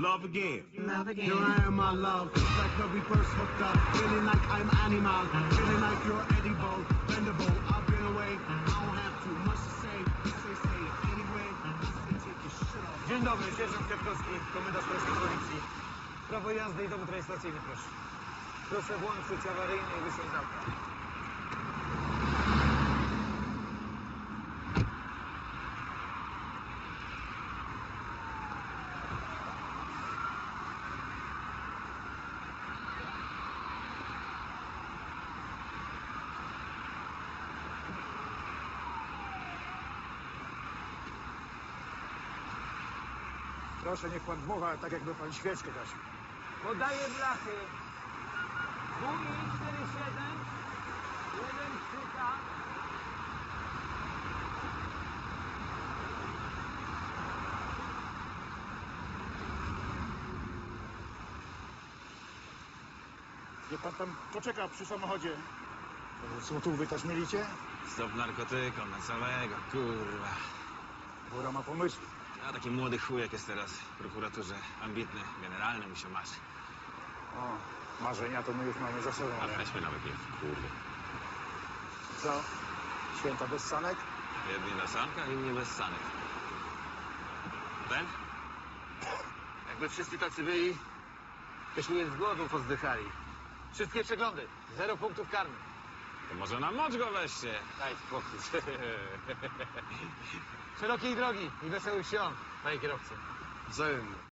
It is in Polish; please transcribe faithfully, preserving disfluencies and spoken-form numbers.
love again. Love again. Here I am, my love, like the reverse hooked up, feeling like I'm animal, feeling like you're edible, bendable. I've been away, I don't have too much to say. Say, say it anyway. Say, take your shit off. Dzień dobry, sierżant Kwiatkowski, komendant Polskiej Policji. Prawo jazdy i dowód rejestracyjny, proszę. Proszę włączyć awaryjny i wysiąść z auta. Proszę, niech pan dmucha, tak jakby pan świeczkę gasił. Podaję blachy. W I cztery siedem, jeden trzy K. Niech pan tam poczeka przy samochodzie. Złotówkę też mylicie? Stop narkotykom na całego, kurwa. Góra ma pomysły. A taki młody chujek jest teraz w prokuraturze. Ambitny, generalny mu się marzy. O, marzenia to my już mamy za sobą. A Ale... weźmy nawet nie w kurwie. Co? Święta bez sanek? Jedni na sankach, inni bez sanek. Ten? Jakby wszyscy tacy byli, byśmy z głodu pozdychali. Wszystkie przeglądy, zero punktów karnych. To może na mocz go weźcie. Daj spokój. Szerokiej drogi i wesołych świąt, panie kierowco. Wzajemnie.